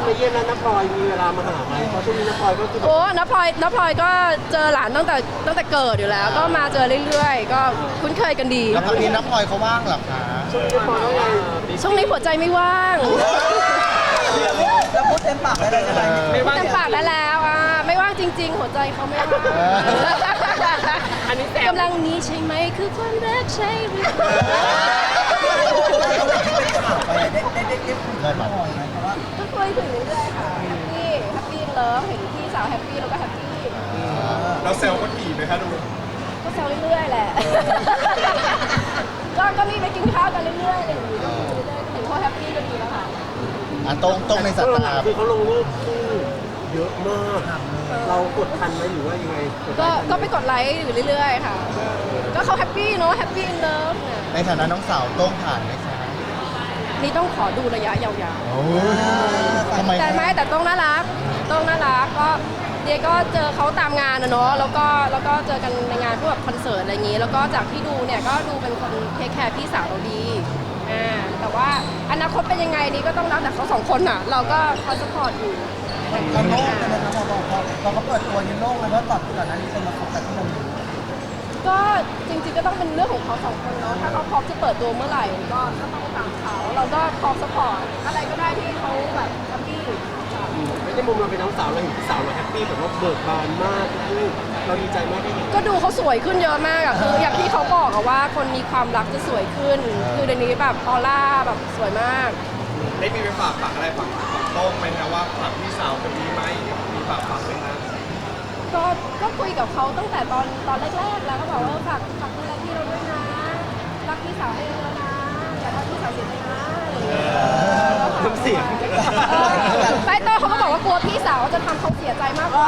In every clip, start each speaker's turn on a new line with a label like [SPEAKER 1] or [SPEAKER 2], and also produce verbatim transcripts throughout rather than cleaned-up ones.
[SPEAKER 1] มาเยี่ยมแล้วน้าพลอยมีเวลามาหาไหมเพราะช่วงนี้น้าพลอยก็คือ
[SPEAKER 2] โอ้น้าพลอยน้าพลอยก็เจอหลานตั้งแต่ตั้งแต่เกิดอยู่แล้ว ก็มาเจอเรื่อยๆ ก็คุ้นเคยกันดี
[SPEAKER 3] แล้วตอนนี้น้ำพลอยเขาว่างเหรอคะ
[SPEAKER 1] ช่วงนี้น้าพลอยต้องไง
[SPEAKER 2] ช่วงนี้หัวใจไม่ว่าง
[SPEAKER 4] เราพูดเต็มปากได้เลยใช่ไหมไม่ว่า
[SPEAKER 2] เต็มปากได้แล้วอ่ะไม่ว่างจริง ๆ หัวใจเขาไม่ว่าง
[SPEAKER 1] อันนี้แต่
[SPEAKER 2] กำลังนี้ใช่ไหมคือความรักใช่หรือเปล่า
[SPEAKER 4] ได้ได้ได้ได้คุยกันบ่อยไหมเพราะว่า
[SPEAKER 2] ก็คุยถึงเรื่อยๆค่ะแฮปปี้แฮปปี้เลิฟเห็นพี่สาวแฮปปี้แล้วก็แฮปปี้
[SPEAKER 5] เราเซลล์ก็ถี่ไหมคะดู
[SPEAKER 2] ก็แซวเรื่อยๆแหละ ก็ก็มีไปกินข้าวกันเรื่อยๆอะไรอย่างงี้ก็คุยเรื่อยๆเห็นเขาแฮปปี้ก็ดีแล้วค่ะ
[SPEAKER 3] อ่ะตรงตรงในสายตา
[SPEAKER 1] คือเขาลงรูปคู่เยอะมาก เรากดทันไหมหรือว่ายังไง
[SPEAKER 2] ก็ก็ไปกดไลค์อยู่เรื่อยๆค่ะ ก็เขาแฮปปี้เนาะแฮปปี้อินเลิฟเนี่ย
[SPEAKER 3] ในฐานะน้องสาวต้องผ่านไหมคะ
[SPEAKER 2] นี่ต้องขอดูระยะยาว
[SPEAKER 3] โอ้ยทำไม
[SPEAKER 2] ๆ แต่ไม่แต่ต้องน่ารักต้องน่ารักก็เดียก็เจอเขาตามงานนะเนาะแล้วก็แล้วก็เจอกันในงานพวกแบบคอนเสิร์ตอะไรอย่างงี้ แล้วก็จากที่ดูเนี่ยก็ดูเป็นคนเทคแคร์พี่สาวเราดีอ่าแต่ว่าอนาคตเป็นยังไงนี่ก็ต้องรับแต่เขาสองคนอ่ะ เราก็คอยสปอร์ตอยู่
[SPEAKER 4] เราโล่งกันนะครับพอพอพอเขาเปิดตัวยังโล่งเลยเพราะตอนก่อนนั้นมีคนมาคบกันที่เราอยู่
[SPEAKER 2] ก็จริงๆก็ต้องเป็นเรื่องของเขาสองคนเนาะถ้าเขาพร้อมจะเปิดตัวเมื่อไหร่ก็ก็ต้องตามเขาเราก็พร้อมสปอร์ตอะไรก็ได้ที่เขาแบบแฮปปี้
[SPEAKER 1] ไม่ได้มุมเราเป็นน้องสาวเราเห็นพี่สาวเราแฮปปี้แบบว่าเบิกบานมากลูกเราดีใจมากได้เห็น
[SPEAKER 2] ก็ดูเขาสวยขึ้นเยอะมากอะคืออย่างที่เขาบอกอะว่าคนมีความรักจะสวยขึ้น คือเดี๋ยวนี้แบบออร่าแบบสวยมาก
[SPEAKER 5] ได้มีไปฝากฝังอะไรฝังฝังโต้งไหมนะว่าฝากพี่สาวจะมีไหมมีฝากฝังไหมนะ
[SPEAKER 2] ก็ก็คุยกับเขาตั้งแต่ตอนตอนแรกๆแล้วก็บอกว่าฝากฝากดูแลพี่เราด้วยนะรักพี่สาวให้เยอะนะอย่าทำพี่สาวเสียใจนะอะไรอย่างเงี้ย
[SPEAKER 1] น้ำเสียง
[SPEAKER 2] เออไปโตเขาก็บอกว่ากลัวพี่สาวจะทำเขาเสียใจมากกว่า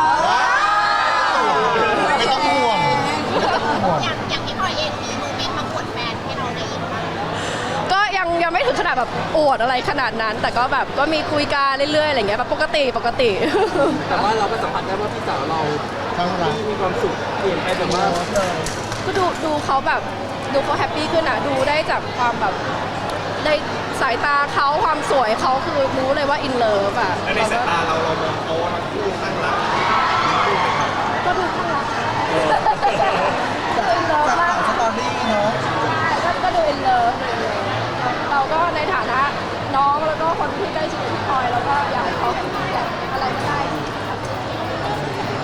[SPEAKER 3] ไม่ต้องห่วงไม่ต้องห่วง
[SPEAKER 6] อย่างอย่างพี่พลอยเองมีโมเมนต์มาอวดแฟนให้เราได้ยินบ้าง
[SPEAKER 2] ก็ยังยังไม่ถึงขนาดแบบอวดอะไรขนาดนั้น แต่ก็แบบก็มีคุยกันเรื่อยๆอะไรเงี้ยแบบปกติปกติ
[SPEAKER 1] แต่ว่าเราก็สัมผัสได้ว่าพี่สาวเรา
[SPEAKER 3] ทั้งรัก
[SPEAKER 1] มีความสุขเปลี่ยนไปแบบว่า
[SPEAKER 2] ก็ดูดูเขาแบบดูเขาแฮปปี้ขึ้นอะดูได้จากความแบบในสายตาเขาความสวยเขาคือรู้เลยว่าอินเลิฟอะ
[SPEAKER 5] และในสายตาเราเรามองเขาว่าทั้งคู่ตั้งหลัก
[SPEAKER 2] ก็ดูข้างรักอินเลิฟ
[SPEAKER 4] จาก
[SPEAKER 2] มาก
[SPEAKER 4] ข่าวสตอรี่เนาะ
[SPEAKER 2] ใช่ก็ก็ดูอินเลิฟเลยเราก็ในฐานะน้องแล้วก็คนที่ใกล้ชิดกับพี่พลอยแล้วก็อยากให้เขาแฮปปี้อะอะไรก็ได้ที่ทำให้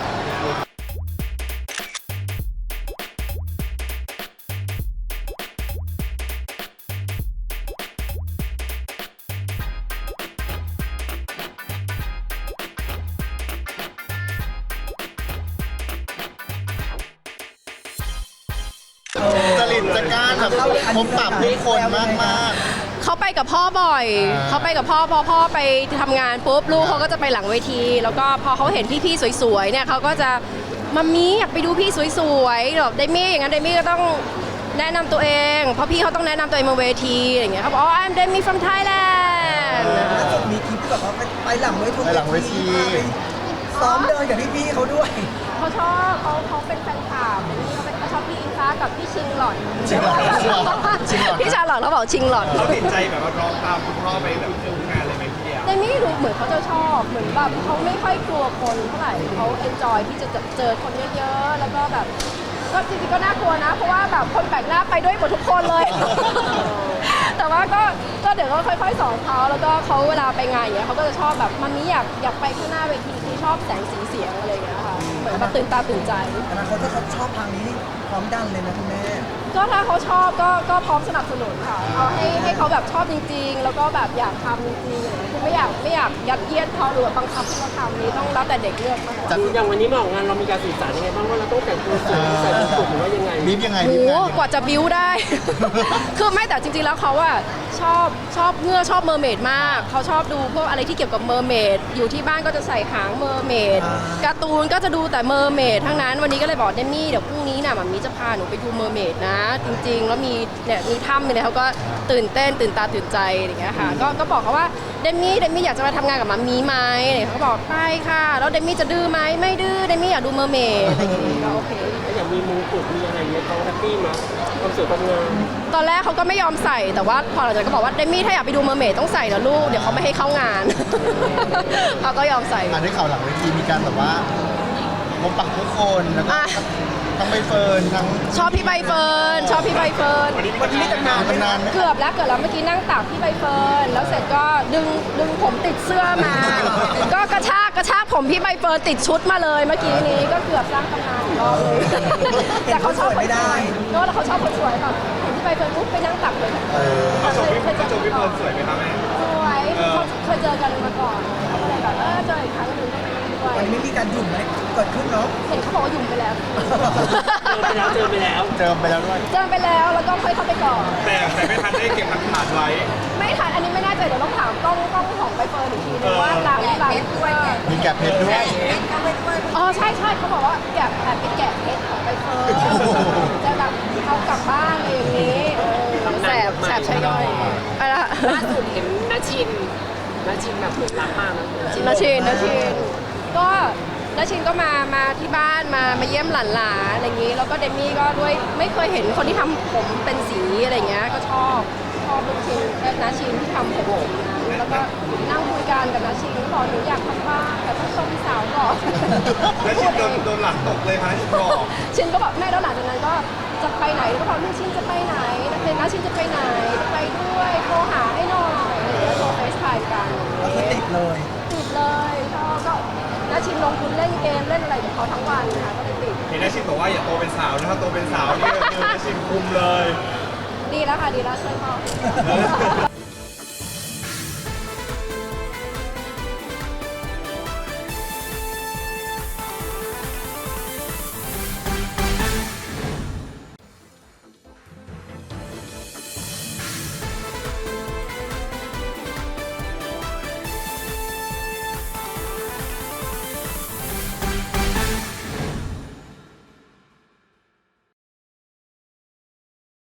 [SPEAKER 3] จริตจักรานแบบพบปะผู้คนมากมาก
[SPEAKER 2] เขาไปกับพ่อบ่อย
[SPEAKER 3] อ่า
[SPEAKER 2] เขาไปกับพ่อพอพ่อไปทำงานปุ๊บลูกเขาก็จะไปหลังเวที แล้วก็พอเขาเห็นพี่ๆสวยๆเนี่ยเขาก็จะมัมมี่อยากไปดูพี่สวยๆแบบเดมี่อย่างนั้นเดมี่ก็ต้องแนะนำตัวเอง เพราะพี่เขาต้องแนะนำตัวเองบนเวทีอย่างเงี้ยเขาบอกอ๋อ I'm Demi from Thailand
[SPEAKER 4] ล่าสุดมีคลิปที่แบบว่าไปหลังเวที
[SPEAKER 3] ไปหลังเวที
[SPEAKER 4] ซ้อมเดินกับพี่ๆเขาด้วย
[SPEAKER 2] เขาชอบเขาเขาเป็นแฟนคลับเขาเป็นเขาชอบพี่อิงฟ้ากับพี่ชิงหลอด
[SPEAKER 3] ชิงหลอดชิงหลอดชิงหลอด
[SPEAKER 2] พี่ชาหลอดเขาบอกชิงหลอด
[SPEAKER 5] เขาติดใจแบบว่าร้องตามคุณพ่อไปแบบทุกงานเลยไหมพี่เดียว
[SPEAKER 2] เดมี่ดูเหมือนเขาจะชอบเหมือนแบบเขาไม่ค่อยกลัวคนเท่าไหร่เขาเอนจอยที่จะเจอคนเยอะๆแล้วก็แบบก็จริงๆก็น่ากลัวนะ เพราะว่าแบบคนแปลกหน้าไปด้วยหมดทุกคนเลย แต่ว่าก็ก็เดี๋ยวก็ค่อยๆสอนเขาแล้วก็เขาเวลาไปงานอย่างเงี้ยเขาก็จะชอบแบบมันนี้อยากอยากไปข้างหน้าเวทีคือชอบแสงสีเสียงอะไรอย่างเงี้ยค่ะเหมือนแบบตื่นตาตื่นใจ
[SPEAKER 4] อนาคตถ้าเขาชอบทางนี้นี่พร้อมดันเลยนะคุณแม่
[SPEAKER 2] ก็ถ้าเขาชอบก็ก็พร้อมสนับสนุนค่ะเอาให้ให้เขาแบบชอบจริง ๆ แล้วก็แบบอยากทำจริงๆอะไรอย่างเงี้ยคือไม่อยากไม่อยากยัดเยียดเขาหรือว่าบังคับให้เขาทำนี้ต้องแล้วแต่เด็กเลือกมากกว่า
[SPEAKER 1] อย่างวันนี้มาออกงานเรามีการสื่อสารยังไงบ้างว่าเราต้องแต่งตัวสวยใส่ชุดสวยหรือว่ายังไง
[SPEAKER 3] บีบยังไง
[SPEAKER 2] โห
[SPEAKER 3] บีบยังไง
[SPEAKER 2] กว่าจะบิ้วได้ คือไม่แต่จริงๆแล้วเขาอะชอบชอบเงื่อชอบเมอร์เมดมากเขาชอบดูพวกอะไรที่เกี่ยวกับเมอร์เมดอยู่ที่บ้านก็จะใส่หางเมอร์เมดการ์ตูนก็จะดูแต่เมอร์เมดทั้งนั้นวันนี้ก็เลยบอกเดมี่เดี๋ยวพรุ่งนี้น่ะมัมมี่จะพาหนูไปดูเมอร์เมดนะ จริงๆแล้วมีเนี่ยมีถ้ำเนี่ยเขาก็ตื่นเต้นตื่นตาตื่นใจอะไรอย่างเงี้ยค่ะก็ก็บอกเขาว่าเดมี่เดมี่อยากจะมาทำงานกับมามีไหมเขาบอกไปค่ะแล้วเดมี่จะดื้อไหมไม่ดื้อเดมี่อยากดูเมอร์เมดอะไรอย่างงี้ก็โอเค
[SPEAKER 1] แล้วอย่างมีมงกุฎมีอะไรเงี้ยเขาแฮปปี้มั้ยความสวยความงาม
[SPEAKER 2] ตอนแรกเขาก็ไม่ยอมใส่แต่ว่าพอหลังจากนั้นก็บอกว่าเดมี่ถ้าอยากไปดูเมอร์เมดต้องใส่นะลูกเดี๋ยวเขาไม่ให้เข้างาน เขาก็ยอมใส่
[SPEAKER 3] อ่านได้ข่าวหลังเวทีมีการแบบว่าพบปะผู้คนแล้วก็
[SPEAKER 2] อ่ะ
[SPEAKER 3] ทั้งใบเฟิร์นทั้ง
[SPEAKER 2] ชอบพี่ใบเฟิร์นชอบพี่ใบเฟิร์น
[SPEAKER 1] วันนี้มีตำนาน
[SPEAKER 3] ตำนานไหม
[SPEAKER 2] เกือบแล้วเกือบแล้วเมื่อกี้นั่งตักพี่ใบเฟิร์นแล้วเสร็จก็ดึงดึงผมติดเสื้อมา ก็กระชากกระชากผมพี่ใบเฟิร์นติดชุดมาเลยเมื่อกี้นี้ก็เกือบสร้างตำนานอีกรอบเลย แต่เขาชอบคนสวยก็แล้วเขาชอบคนสวยแบบเห็นพี่ใบเฟิร์นปุ๊บไปนั่งตักเลย
[SPEAKER 3] เออ
[SPEAKER 5] เขาชมพี่
[SPEAKER 2] เคยเจ
[SPEAKER 5] เขา
[SPEAKER 2] อ
[SPEAKER 5] ชมพี่เฟิร์นสวยไหมครับแม่
[SPEAKER 2] สวยเขาเคยเจอกันมาก่อนเลยแบบเออเจออีกครั้งหนึงก็ไปนั่งด้วย
[SPEAKER 4] วันนี้ไม่มีการหยุ่มไหมเกิดขึ้นเนาะ
[SPEAKER 2] เห็นเขาบอกว่าหยุ่มไปแล้ว
[SPEAKER 1] เจอไปแล้วเจอไปแล้ว
[SPEAKER 3] เจิมไปแล้วด้วย
[SPEAKER 2] เจอไปแล้วแล้วก็ค่อยเข้าไปก่อน
[SPEAKER 5] แต่แต่ไม่ทันได้เก็บหลักฐานไว้
[SPEAKER 2] ไม่ทันอันนี้ไม่แน่ใจเดี๋ยวต้องถามกล้องกล้องของใบเฟิร์นอีกทีนึงว่าหลังหลังด้วย
[SPEAKER 3] มีแกะเพชรด้วย
[SPEAKER 2] อ๋อใช่ใช่เขาบอกว่าแกะแอบไปแกะเพชรของใบเฟิร์นจะแบบเอากลับบ้านอะไรอย่างนี้เออแสบแสบใช่ย่อยอะไรนะ
[SPEAKER 1] ล่าสุดเห็นนาชินนาชินแบบหลงรักมากนะ
[SPEAKER 2] นาชินนาชินก็นาชินก็มามาที่บ้านมามาเยี่ยมหลานๆอะไรอย่างนี้ แล้วก็เดมี่ก็ด้วยไม่เคยเห็นคนที่ทำผมเป็นสีอะไรเงี้ยก็ชอบชอบลูกชินนาชินที่ทำผมนะแล้วก็นั่งคุยกันกับนาชินก็บอกหนูอยากทำบ้างแต่ต้องชมสาวก่อน
[SPEAKER 5] แล้วชิมโดนโดนหลังตกเลยค่ะชิมบอก
[SPEAKER 2] ชินก็บอกแม่แล้วหลังจากนั้นก็จะไปไหนก็บอกลูกชินจะไปไหนนักเรียนนะชินจะไปไหนจะไปด้วยโทรหาให้หน่อยอะไรอย่างเงี้ยโทรเฟซไทม์กัน
[SPEAKER 4] ก็คือติดเลย
[SPEAKER 2] ติดเลยชอบก็นาชินลงทุนเล่นเกมเล่นอะไรกับเขาทั้งวันนะคะก็เลยติด
[SPEAKER 5] เห็นนาชิมบอกว่าอย่าโตเป็นสาวนะครับโตเป็นสาวนี่คือนาชิมคุมเลย
[SPEAKER 2] ดีแล้วค่ะดีแล้วช่วยพ่อ